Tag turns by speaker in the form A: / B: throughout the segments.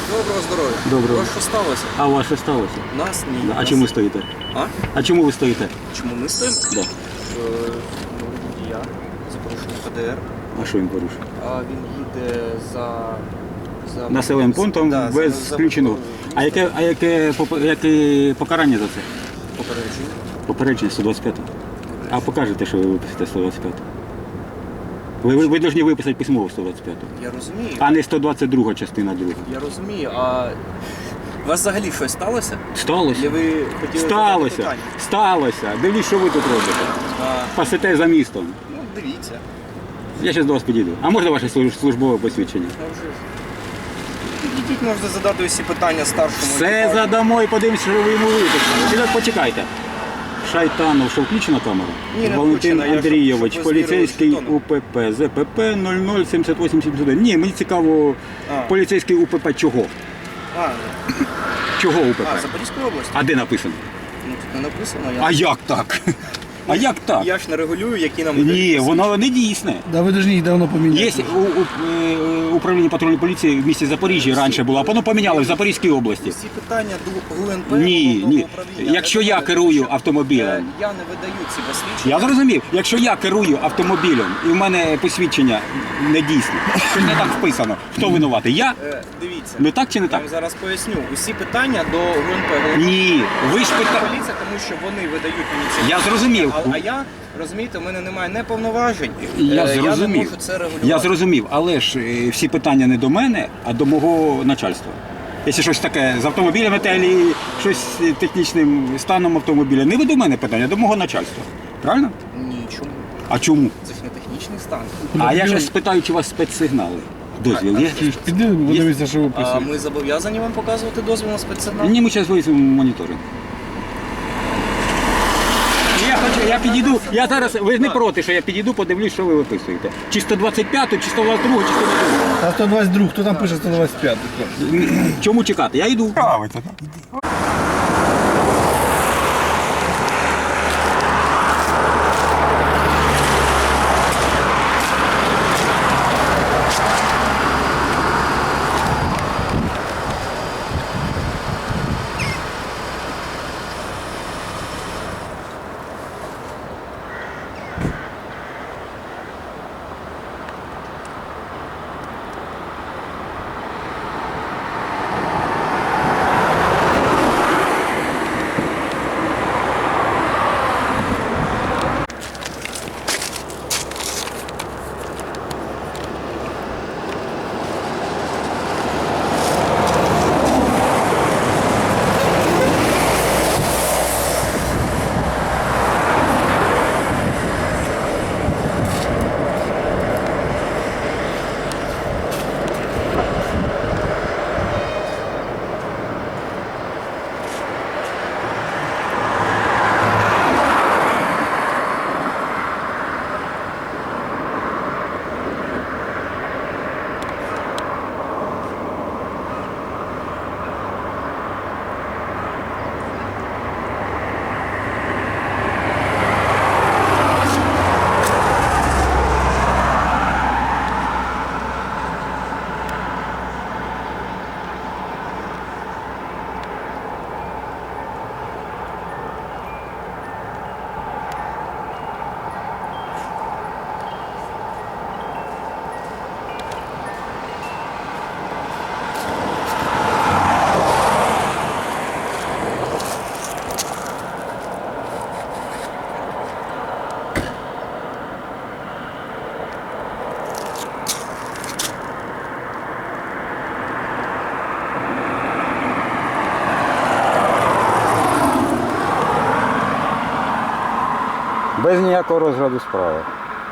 A: Доброго здоров'я.
B: Доброго.
A: У вас що сталося?
B: А у вас що сталося?
A: Нас ні.
B: А чому ви стоїте?
A: А?
B: А чому ви стоїте?
A: Чому ми стоїмо?
B: Да.
A: Водія за порушення ПДР.
B: А що він порушив?
A: А він їде за
B: Населеним пунктом
A: Да,
B: без
A: за
B: включеного. А яке покарання за це?
A: попередження.
B: Попередження 125. А покажете, що ви виписите 125. Ви повинні виписати письмово 125.
A: Я розумію.
B: А не 122 частина 2.
A: Я розумію, а у вас взагалі щось сталося?
B: Сталося.
A: Чи ви хотіли задати
B: Сталося.
A: питання?
B: Сталося. Дивіться, що ви тут робите. Пасите за містом.
A: Ну, дивіться.
B: Я зараз до вас підійду. А можна ваше службове посвідчення?
A: Підійдіть, можете задати усі питання старшому.
B: Все
A: екіпажу.
B: задамо і подивимося, що ви йому виписали. Почекайте. Шайтанов, що включена камера?
A: Ні, не
B: Валентин
A: включена, я
B: Андрійович,
A: щоб ви
B: поліцейський
A: звірили
B: УПП, ЗПП 007871. Ні, мені цікаво,
A: А.
B: поліцейський УПП чого?
A: А,
B: Чого УПП?
A: Запорізької області?
B: А де написано?
A: Ну, тут не написано.
B: А як так? А як так?
A: Я ж не регулюю, які нам
B: Ні,
A: видають
B: воно не дійсне.
C: Да ви повинні їх давно поміняти.
B: Є управління патрульної поліції в місті Запоріжжя раніше було, а воно поміняли в Запорізькій області.
A: всі питання до ГУНП.
B: Ні,
A: головного
B: ні.
A: управління.
B: Якщо
A: Не
B: я
A: доводять,
B: керую
A: тому що,
B: автомобілем.
A: Я не видаю ці посвідчення.
B: Я зрозумів, якщо я керую автомобілем і в мене посвідчення не дійсне, що не так вписано, хто винуватий? Я?
A: Дивіться.
B: Ну так чи не
A: Я
B: так?
A: вам зараз поясню. Усі питання до ГУНП.
B: Ні, ви ж питаєте.
A: Поліція, тому що вони видають мені ці
B: Я зрозумів.
A: А я, розумієте, у мене немає не повноважень.
B: Я
A: не
B: зрозумів.
A: можу це регулювати.
B: Я зрозумів, але ж всі питання не до мене, а до мого начальства. Якщо щось таке з автомобілями та щось з технічним станом автомобіля, не ви до мене питання, а до мого начальства. Правильно?
A: Ні, чому?
B: А чому?
A: Це ж не технічний стан.
B: А я ж спитаю, чи у вас спецсигнали. Дозвіл є?
C: Піди, подивися, що ви
A: А
C: писали.
A: ми зобов'язані вам показувати дозвіл на спецсигнал?
B: Ні, ми зараз вийдемо моніторинг. Я підійду, я зараз, ви ж не проти, що я підійду, подивлюсь, що ви виписуєте. Чи 125, чи 122, чи 122.
C: А 122, хто там пише 125?
B: Чому чекати? Я йду. Без ніякого розгляду справи.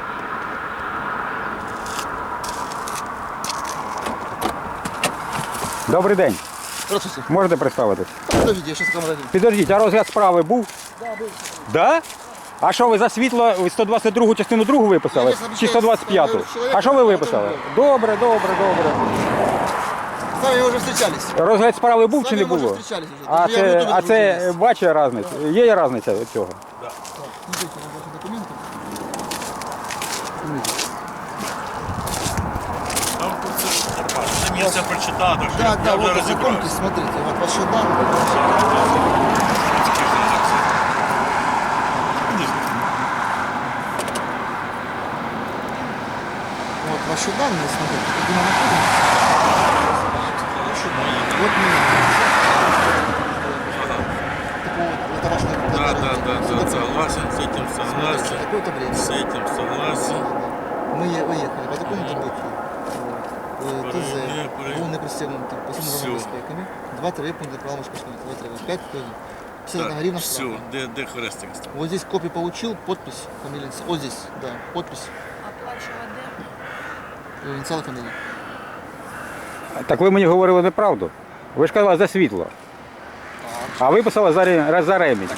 B: Добрий день.
D: Здравствуйте.
B: Можете представитись?
D: Подождите, я сейчас камера.
B: Підождіть, а розгляд справи був?
D: Да, был.
B: Да? А що ви за світло 122 частину 2 виписали? Чи 125? А що ви виписали? Добре, добре, добре.
D: С вами уже встречались.
B: Розгляд справи був
D: С
B: чи не
D: вами мы уже
B: було?
D: встречались уже.
B: А
D: Я в
B: це,
D: Ютубе
B: а це
D: дружу.
B: бачить різниця? Є різниця від цього?
D: Смотрите на ваши документы.
E: Я все прочитав, так що
D: Да,
E: я
D: да,
E: вже
D: вот
E: розібрався.
D: ознакомьтесь, смотрите, вот ваши данные. Вот ваши данные, смотрите, где мы находимся. Вот мы. Это ваш
E: Да, согласен, с этим согласен,
D: Какое-то время.
E: с этим согласен.
D: Мы выехали по такому-то боку. ТЗ,
E: Проехали.
D: був не пристегнутий посудовими безпеками. 2-3 пункти правил безпеки. 2-3, 5 тонн. 51 гривна
E: Все,
D: штрафа.
E: де хрестик став?
D: Вот здесь копию получил, подпись, фамилия, вот здесь, да, подпись, инициалы, фамилия.
B: Так ви мені говорили неправду. Ви ж казали за світло. А ви писали за ремінь.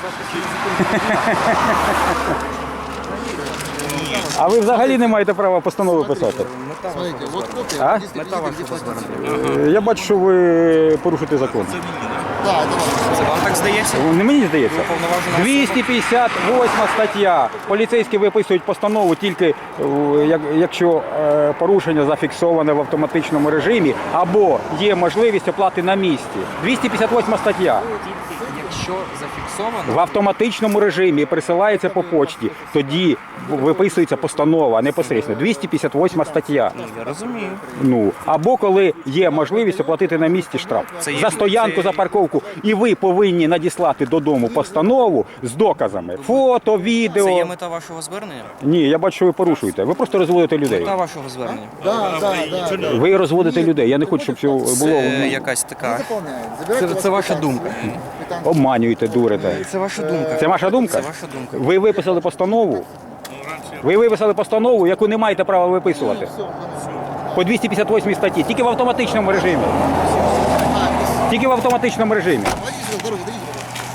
B: А ви взагалі не маєте права постанови писати.
D: Смотрите, вот копия,
B: А?
D: вот здесь видите, где фотография.
B: Я бачу, що ви порушуєте закон.
E: Це мені, так?
D: Да, это ваш.
A: Це вам так здається?
B: Не мені здається.
A: Уповноважена особа.
B: 258 стаття. Поліцейські виписують постанову тільки якщо порушення зафіксоване в автоматичному режимі або є можливість оплати на місці. 258 стаття.
A: Якщо зафіксовано,
B: В автоматичному режимі присилається по почті, тоді виписується постанова непосередньо. 258 стаття.
A: я розумію.
B: Ну, або коли є можливість оплатити на місці штраф.
A: Це є-
B: За стоянку,
A: це-
B: за парковку. І ви повинні надіслати додому постанову з доказами. Фото,
A: Це
B: відео.
A: є мета вашого звернення?
B: Ні, я бачу, що ви порушуєте. Ви просто розводите людей.
A: Мета вашого звернення.
D: Да.
B: Ви розводите людей. Я не хочу, щоб цього було.
A: Це якась така.
D: Заполняет. Забирайте
A: Це ваша
D: квитанцию.
A: думка.
D: Квитанцию.
B: Обманюєте, дурите.
A: Це ваша думка.
B: Це ваша думка?
A: Це ваша думка.
B: Ви виписали постанову. Ви виписали постанову, яку не маєте права виписувати. По 258 статті. Тільки в автоматичному режимі. Тільки в автоматичному режимі.
D: Дойдите сюда, дорогу, дойдите,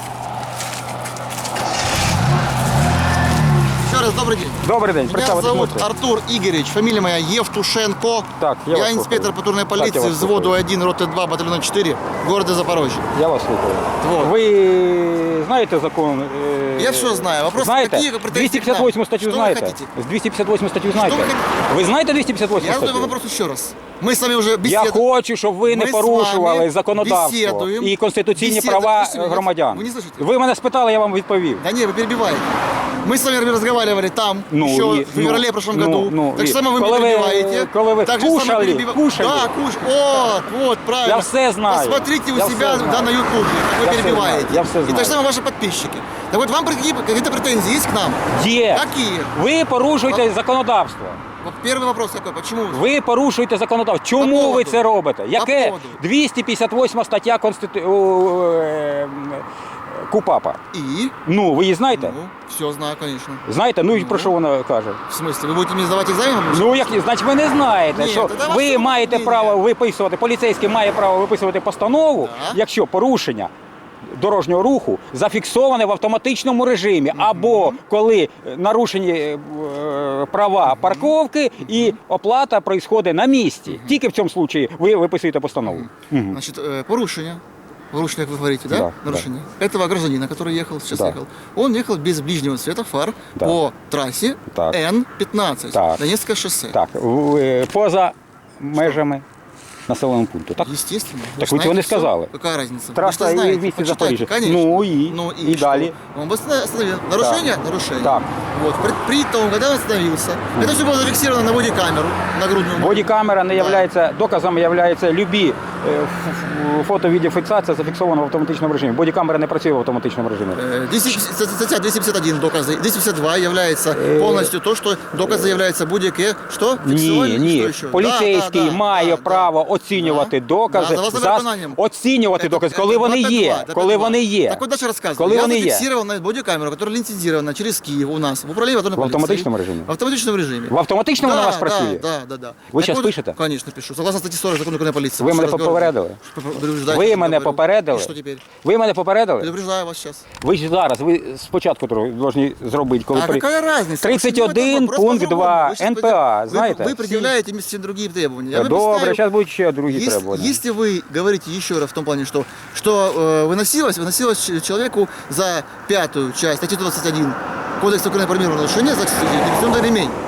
D: пожалуйста. Еще раз добрый день.
B: Добрий день,
D: Меня
B: представитись
D: зовут
B: можете?
D: Артур Игоревич, фамилия моя Евтушенко.
B: Так, я вас
D: Я инспектор
B: слухаю.
D: патрульной
B: Так, я
D: полиции
B: вас
D: взводу
B: слухаю.
D: 1, роты 2, батальона 4, города Запорожье.
B: Я вас слухаю.
D: Вот.
B: Ви знаєте закон?
D: Я все знаю. Вопрос,
B: знаєте?
D: какие претензии к нам?
B: 258 статтю
D: Что вы
B: знаєте?
D: хотите?
B: З 258 статтю знаєте?
D: вы хотите?
B: Ви знаєте 258
D: Я задаю
B: статтю?
D: вопрос еще раз. Мы с вами уже
B: Я
D: беседуем.
B: хочу, щоб ви не
D: Ми з
B: порушували
D: вами
B: законодавство
D: бесідуємо.
B: і конституційні
D: Бесідуємо.
B: права
D: Слушайте мене,
B: громадян.
D: ви не слышите?
B: Ви мене спитали, я вам відповів.
D: Да не, вы перебиваете. Мы с вами разговаривали там,
B: Ну,
D: еще
B: и-
D: в феврале прошлом
B: ну,
D: году.
B: ну,
D: так
B: и-
D: само вы
B: коли
D: меня
B: ви-
D: перебиваете.
B: коли ви
D: Так же само
B: кушали, кушали.
D: Да, вот, правильно.
B: Я все знаю.
D: Посмотрите у
B: Я
D: себя
B: все знаю.
D: да, на ютубе, как
B: Я
D: вы
B: все
D: перебиваете.
B: знаю. Я все
D: И
B: знаю.
D: так же самое ваши подписчики. Так вот, вам какие-то претензии есть к нам?
B: Є.
D: Какие?
B: Ви порушуєте законодавство.
D: Вот первый вопрос какой, почему?
B: Ви порушуєте законодавство. Чому
D: поводу.
B: ви це робите? Яке?
D: поводу.
B: 258 стаття КУПАПа.
D: И?
B: Ну, ви її знаєте?
D: Ну, все знаю, конечно.
B: Знаєте? Ну і про що вона каже?
D: В смысле, вы будете мне сдавать экзамен?
B: Ну, як, значить, ви не знаєте,
D: Ні,
B: що
D: тоді ваше
B: ви маєте
D: мнення.
B: право виписувати, поліцейський має право виписувати постанову,
D: Так.
B: якщо порушення дорожнього руху зафіксоване в автоматичному режимі, або коли нарушені права парковки і оплата происходить на місці. Тільки в цьому випадку ви виписуєте постанову. Мгм.
D: Значит, порушение, как вы говорите, да?
B: Да,
D: Нарушение. Этого гражданина, который ехал, сейчас
B: Да.
D: ехал, он ехал без ближнего света фар
B: Да.
D: по трассе
B: Так.
D: Н-15,
B: Так.
D: Донецкое шоссе.
B: Так, поза межами населеного пункту. Так?
D: Естественно.
B: Так
D: же
B: вы чего не
D: знаете
B: сказали?
D: всё. Какая разница?
B: Трасса
D: Вы же
B: и
D: знаете,
B: вместе
D: почитайте,
B: Запорожье.
D: конечно.
B: Ну и
D: что?
B: далее?
D: Он бы остановил. Нарушение? Нарушение.
B: Так.
D: Вот. При том, когда он остановился, это все было зафиксировано на бодикамеру, нагрудную.
B: Бодікамера не являється доказом, являється любі фото-відеофіксація зафіксована в автоматичному режимі. Бодікамера не працює в автоматичному режимі.
D: Статья 251 доказы. 252 является полностью то, что доказы является будь-яке. Что?
B: Ні,
D: Фиксировали?
B: ні.
D: Что еще?
B: Поліцейський
D: Да, да,
B: має
D: да,
B: право оцінювати
D: Да.
B: докази,
D: Да, за виконанням.
B: оцінювати докази, коли вони
D: 252,
B: є.
D: 252.
B: Коли вони є.
D: Так вот дальше рассказываю.
B: Коли
D: Я
B: вони є.
D: зафиксировал на бодикамеру, которая лицензирована через Киев у нас в управлении патрульной
B: В
D: полиции.
B: автоматичному режимі?
D: В автоматичном режиме.
B: В автоматичному
D: Да,
B: на вас
D: да,
B: працює?
D: Да.
B: Ви
D: Так
B: щас
D: вот,
B: пишете?
D: Конечно, пишу. Согласно статье 40 Закону Украины о полиции.
B: Ви
D: Еще
B: мене
D: раз говорю.
B: попередили?
D: Предупреждаю,
B: Ви
D: что
B: мене
D: говорю.
B: попередили?
D: И что теперь?
B: Ви мене попередили?
D: Предупреждаю вас сейчас.
B: Ви ж зараз, ви спочатку повинні зробити, коли
D: А какая разница?
B: 31
D: Вопрос
B: пункт
D: по-другому.
B: 2
D: Вы сейчас
B: НПА,
D: вы-
B: знаєте?
D: Вы предъявляете мне совсем другие требования. Я вам
B: Добре,
D: представил.
B: зараз будуть ще другі требування.
D: Если вы говорите еще раз в том плане, что выносилось человеку за 5-ю часть статьи 21 Кодекса Украины про мирное нарушение за ремень.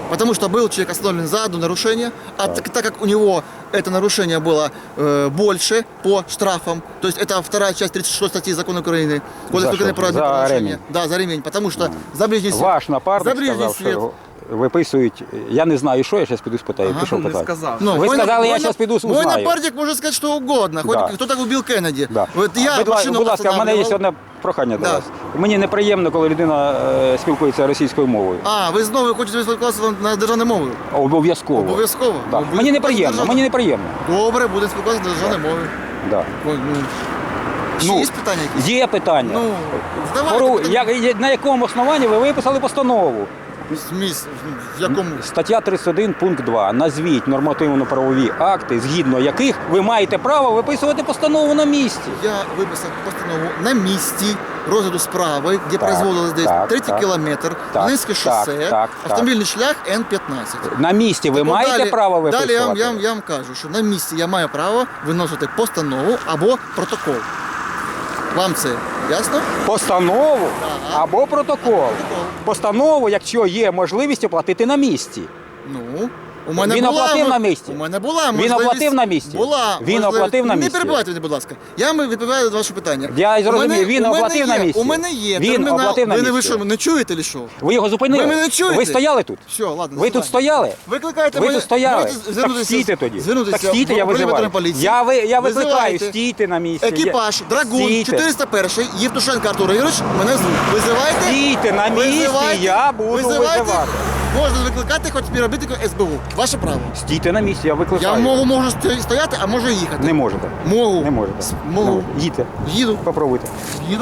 D: Потому что был человек остановлен за одно нарушение, а так как у него это нарушение было больше по штрафам, то есть это вторая часть 36 статьи Закона Украины, Кодекс
B: За
D: Украины
B: что?
D: про
B: За
D: админправонарушение.
B: ремень?
D: Да, за ремень, потому что за ближний свет.
B: Ваш напарник
D: за ближний
B: сказав,
D: свет.
B: що виписують. Я не знаю, що, я зараз піду спитаю. Пішов
A: Не
B: питати.
A: сказав.
D: Ну,
B: Ви
D: мой
B: сказали, я
D: мой
B: щас піду
D: Мой
B: узнаю.
D: напарник может сказать что угодно, хоть
B: Да.
D: кто так убил Кеннеди.
B: Да.
D: Вот я машину
B: будь ласка, в мене є
D: останавливал.
B: одне прохання до
D: Да.
B: вас. Мені неприємно, коли людина спілкується російською мовою.
D: А, ви знову хочете спілкуватися на державною мовою?
B: Обов'язково.
D: Обов'язково?
B: Да.
D: Ви
B: Мені
D: будете
B: неприємно,
D: державною?
B: мені неприємно.
D: Добре, буде спілкуватися на державній мові.
B: Да.
D: Ой, ну. Ще
B: Ну,
D: є питання якісь?
B: Є питання.
D: Ну, давайте.
B: На якому основанні ви виписали постанову?
D: В якому?
B: Стаття 31, пункт 2. Назвіть нормативно-правові акти, згідно яких ви маєте право виписувати постанову на місці.
D: Я виписав постанову на місці розгляду справи, де производилось десь
B: так,
D: третій
B: так.
D: кілометр,
B: Так,
D: Волинське шосе,
B: так.
D: автомобільний шлях Н-15.
B: На місці ви
D: Ну,
B: маєте
D: далі-
B: право виписувати?
D: Далі я вам кажу, що на місці я маю право виносити постанову або протокол. Вам це ясно?
B: Постанову
D: Так.
B: або протокол. Постанову, якщо є можливість оплатити на місці.
D: Ну, у мене
B: Він
D: була,
B: оплатив на місці?
D: У мене була
B: Він
D: можливість.
B: оплатив на місці?
D: Була.
B: Він оплатив на
D: Не
B: місці?
D: перебивайте мене, будь ласка. Я вам відповідаю на ваше питання.
B: Я зрозумів,
D: У мене-
B: він
D: у мене
B: оплатив на
D: є-
B: місці?
D: У мене є
B: Він
D: термінал.
B: оплатив на
D: Ви
B: місці?
D: що, не чуєте чи що?
B: Ви його зупинили?
D: Ви мене не чуєте?
B: Ви стояли тут?
D: Все, ладно.
B: Ви тут стояли?
D: Викликайте
B: Ви
D: мене.
B: тут стояли?
D: Можете
B: Так
D: звернутися-
B: стійте тоді.
D: звернутися
B: Так стійте,
D: в
B: я
D: управління
B: визиваю.
D: поліції.
B: Я викликаю,
D: Визивайте.
B: стійте на місці.
D: Екіпаж, Драгун,
B: Стійте.
D: 401, Євтушенко Артур Ігорович, мене звуть. Визивайте.
B: Стійте на місці,
D: Визивайте.
B: я буду
D: Визивайте.
B: визивати.
D: Можна викликати хоч співробітника СБУ. Ваше право.
B: Стійте на місці, я викликаю.
D: Я можу стояти, а можу їхати.
B: Не можете.
D: Можу.
B: Не можете.
D: Можу.
B: Не можете. Їдьте.
D: Їду.
B: Попробуйте.
D: Їду.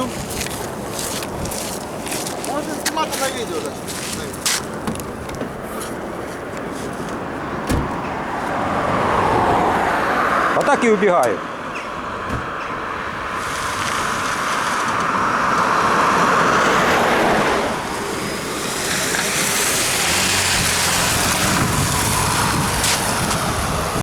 D: Можна знімати на відео. Да.
B: Отак і убігають.